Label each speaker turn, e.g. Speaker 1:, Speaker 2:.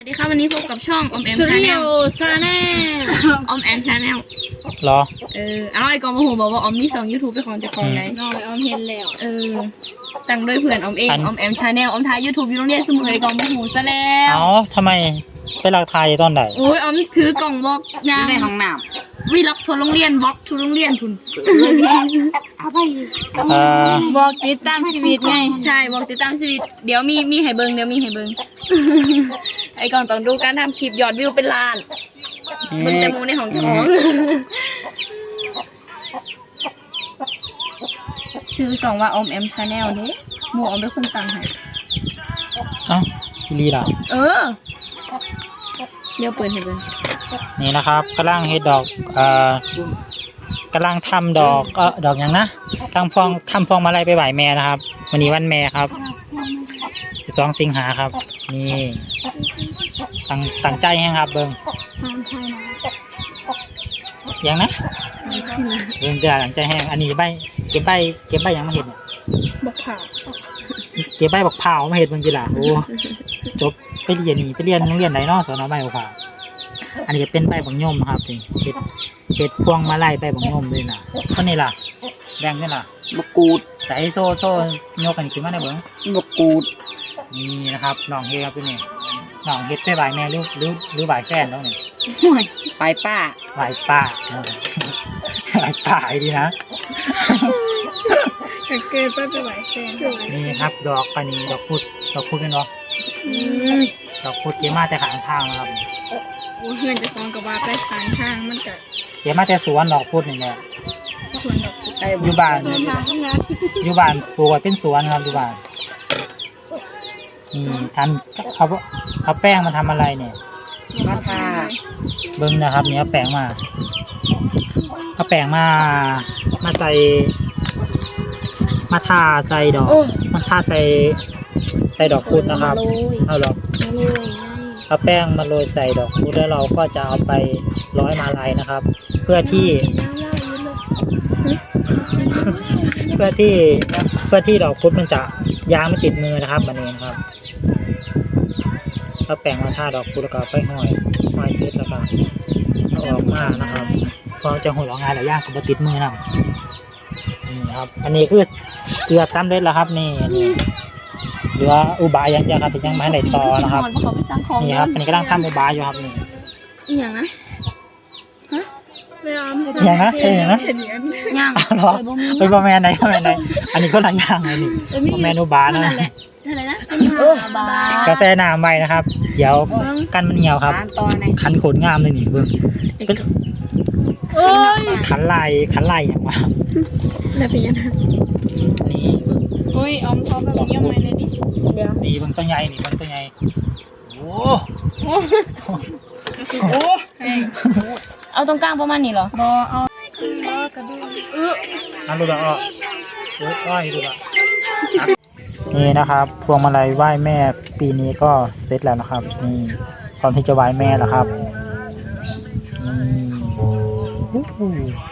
Speaker 1: สวัสดีครับวันนี้พบกับช่องออมแอม
Speaker 2: สุ
Speaker 1: ชา
Speaker 2: ริ
Speaker 1: แน
Speaker 2: โย
Speaker 1: ล
Speaker 2: ซาแน่
Speaker 1: ออมแอมชาแนล
Speaker 3: เหรอ
Speaker 1: เอาไอ้กองมาหูบอกว่าออมมี2 YouTube เป็นของเจ้าของไหน
Speaker 2: น้อยออมเห็นแล้ว
Speaker 1: ตั้งโดยเพื่อนออมเองออมแอมชาแนลออมถ่าย YouTube อยู่โรงเรียนเสมอไอ้กองมาหูซะแล้ว
Speaker 3: เอาทำไมไปหลักทายตอนไหน
Speaker 1: โอ้ยออมถือกล่องบล็อก
Speaker 2: อ
Speaker 1: ยั
Speaker 2: ยู่
Speaker 1: ง
Speaker 2: ในห้องน้
Speaker 1: วีล็อกทัวร์โรงเรียนบล็อกทัวร์โรงเรียนทุน
Speaker 2: เอาไป
Speaker 3: เอ่อ
Speaker 2: บอกติดตามชีวิตไง
Speaker 1: ใช่บอกติดตามชีวิตเดี๋ยวมีให้เบิงไอ้กองต้องดูการทำคลิปยอดวิวเป็นล้านเบิงแต่หมูในห้องเจ้าของชื่อสองว่าออมแอมชาแนลเด้หมูออมเป็นคนตั้งให้
Speaker 3: เอ้าพี่ลีล่ะ
Speaker 1: เดี๋ยวเปิดให้เบิ่ง
Speaker 3: นี่นะครับกำลังเฮ็ดดอกกำลังทำดอกดอกอย่างนะทำพวงมาลัยไปไหว้แม่นะครับวันนี้วันแม่ครับ12 สิงหาครับนี่ตั้งใจให้ครับเบิ่งอย่างนะเบิ่งจะตั้งใจให้อันนี้เก็บใบอย่างมาเห็ดเนี่ย
Speaker 1: บักผ่า
Speaker 3: เก็บใบบักพร้าวมาเห็ดเบิ่งจิล่ะโอ้จบไปเรียนโรงเรียนไหนเนาะสอนใบบักพร้าวอันนี้เป็นใบบักย่อมครับนี่เห็ดพวงมาลัยใบบักย่อมเลยนะก็นี่ล่ะแดงนี่ล่ะ
Speaker 2: บกูด
Speaker 3: ใส่โซ่ยกกันขึ้นมาได้เบิ่ง
Speaker 2: บกูด
Speaker 3: นี่นะครับน้องเฮ็ดครับพี่นี่น้องเฮ็ดไปบ่ายแม่หรือบ่ายแฟนแล้วนี่
Speaker 2: ไปป้า
Speaker 3: บ่ายป้าบ่ายป้าดีนะ
Speaker 1: เกิดไปไหวแฟน
Speaker 3: นี่ครับดอกอันนี้ดอกพุดเป็นเนาะดอกพุดเก็บมาแต่ข้างทางนะครับ
Speaker 1: โอ้เพื่อนจะฟ้องกับว่าไปทางทางมันก็
Speaker 3: เก็บมาแต่สวนดอกพุดนี่แหละ
Speaker 1: ส่วนดอก
Speaker 2: ไป
Speaker 3: อยู่บ้านปลูกไว้เป็นสวนครับอยู่บ้านนี่เอาแป้งมาทำอะไรเนี่ย
Speaker 2: มาทา
Speaker 3: เบิ้งนะครับเนี่ยเอาแป้งมาใส่มาทาใส่ดอกมาทาใส่ดอกพุดนะครับเอาหรอกเอาแป้งมาโรยใส่ดอกพุดแล้วเราก็จะเอาไปร้อยมาลัยนะครับ เพื่อที่ดอกพุดมันจะยางไม่ติดมือนะครับมันเองครับเอาแป้งมาทาดอกพุดแล้วก็ไปห้อยเสร็จแล้วก็เอาออกมานะครับพอจะหุ่นออกงานหลายอย่างก็มาติดมือนะนี่ครับอันนี้คือเกือบซ้ำเร็จแล้วครับนี่เหลืออุบายอย่างเดียวครับแต่ยังไม่ได้ต่อนะครับนี่ครับอันนี้กำลังทำอุบายอยู่ครับนี่
Speaker 1: อีหยังนะฮะไม่เอา
Speaker 3: อย่างนะ
Speaker 1: ย่าง
Speaker 3: เหรอไปบอแมนไหนอันนี้ก็หลายอย่างเลยนี่บอแมนอุบานะ
Speaker 1: อะไรนะบาก
Speaker 3: าแฟน้ำไว้นะครับเดี๋ยวกันมันเหี่ยวครับ
Speaker 2: ตอนไหน
Speaker 3: คันขนงามเลยนี่เบิ่งขันลายอย่างว่า
Speaker 1: แล้วเป็นยังไง
Speaker 3: นี่เบิ่ง
Speaker 2: โอ้ยออมท้องแบบย่อมไปเลยดิ
Speaker 1: เดี๋ยว
Speaker 3: นี่เบิ่งตัวใหญ่นี่เบิ่งตัวใหญ่โอ้
Speaker 2: โอ้
Speaker 1: เอาตรงกลางประมาณนี้เหรอ
Speaker 2: บอเอากระดูก
Speaker 3: นั่นดูละอ้ออ้อยดูละนี่นะครับพวงมาลัยไหว้แม่ปีนี้ก็เสร็จแล้วนะครับนี่พร้อมที่จะไหว้แม่แล้วครับนี่